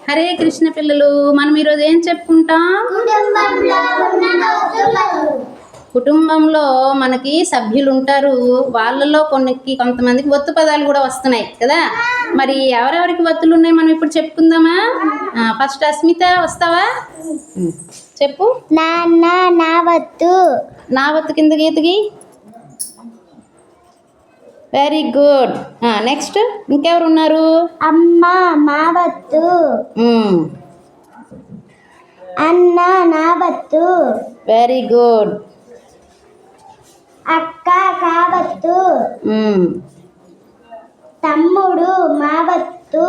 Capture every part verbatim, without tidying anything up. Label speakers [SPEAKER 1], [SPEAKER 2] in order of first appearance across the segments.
[SPEAKER 1] హరే కృష్ణ పిల్లలు, మనం ఈరోజు ఏం చెప్పుకుంటాం? కుటుంబంలో మనకి సభ్యులు ఉంటారు, వాళ్ళలో కొన్ని కొంతమందికి ఒత్తు పదాలు కూడా వస్తున్నాయి కదా. మరి ఎవరెవరికి ఒత్తులు ఉన్నాయి మనం ఇప్పుడు చెప్పుకుందామా? ఫస్ట్ అస్మిత వస్తావా? చెప్పు.
[SPEAKER 2] నాన్న నా వత్తు.
[SPEAKER 1] నా వత్తు కింద గీతకి. Very good. నెక్స్ట్ ఇంకెవరు ఉన్నారు?
[SPEAKER 2] అమ్మ మా వత్తు. అన్న నా వత్తు.
[SPEAKER 1] Very good.
[SPEAKER 2] అక్క కావత్తు. తమ్ముడు మా వత్తు.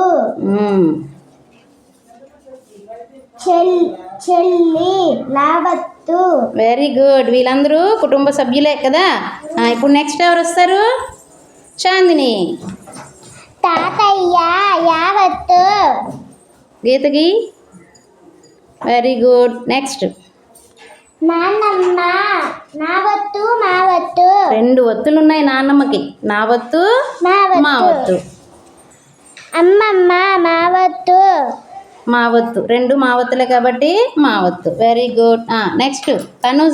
[SPEAKER 2] చెల్లి లావత్తు.
[SPEAKER 1] Very good. వీళ్ళందరూ కుటుంబ సభ్యులే కదా. ఇప్పుడు నెక్స్ట్ ఎవరు వస్తారు? చాందిని.
[SPEAKER 2] తాతయ్య యావత్తు.
[SPEAKER 1] గీతకి. Very good. నెక్స్ట్
[SPEAKER 2] నాన్నమ్మ నా వత్తు మా వత్తు.
[SPEAKER 1] రెండు ఒత్తులు ఉన్నాయి నాన్నమ్మకి. నా వత్తు మా వత్తు.
[SPEAKER 2] అమ్మమ్మ మా వత్తు.
[SPEAKER 1] మా వత్తు. రెండు మా వత్తులే కాబట్టి మా వత్తు. Very good. నెక్స్ట్ తనుజ.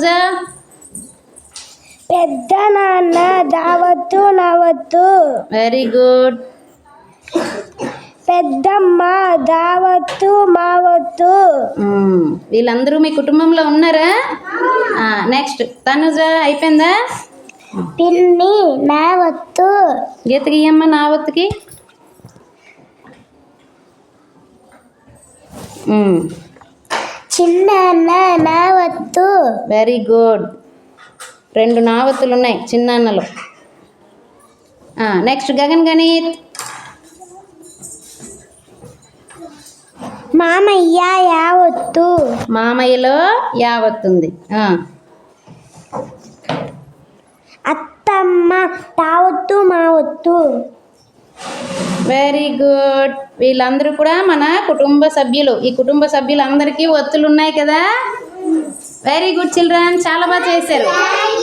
[SPEAKER 2] పెద్ద నాన్న దావత్తు నా వత్తు.
[SPEAKER 1] Very good.
[SPEAKER 2] పెద్దమ్మ దావత్తు మా వత్తు.
[SPEAKER 1] వీళ్ళందరూ మీ కుటుంబంలో ఉన్నారా? నెక్స్ట్ తనుజ అయిపోయిందా?
[SPEAKER 2] పిన్ని నా వత్తు.
[SPEAKER 1] గీతకి అమ్మ నా వత్తుకి.
[SPEAKER 2] చిన్నాన్న నా వత్తు.
[SPEAKER 1] Very good. రెండు నావత్తులు ఉన్నాయి చిన్నాన్నలు. నెక్స్ట్ గగన్ గణిత్.
[SPEAKER 2] మామయ్య యావత్తు.
[SPEAKER 1] మామయ్యలో యావత్తుంది.
[SPEAKER 2] అత్తమ్మ తావత్తు మా వత్తు.
[SPEAKER 1] Very good. వీళ్ళందరూ కూడా మన కుటుంబ సభ్యులు. ఈ కుటుంబ సభ్యులందరికీ ఒత్తులు ఉన్నాయి కదా. వెరీ గుడ్ చిల్డ్రన్, చాలా బాగా చేశారు.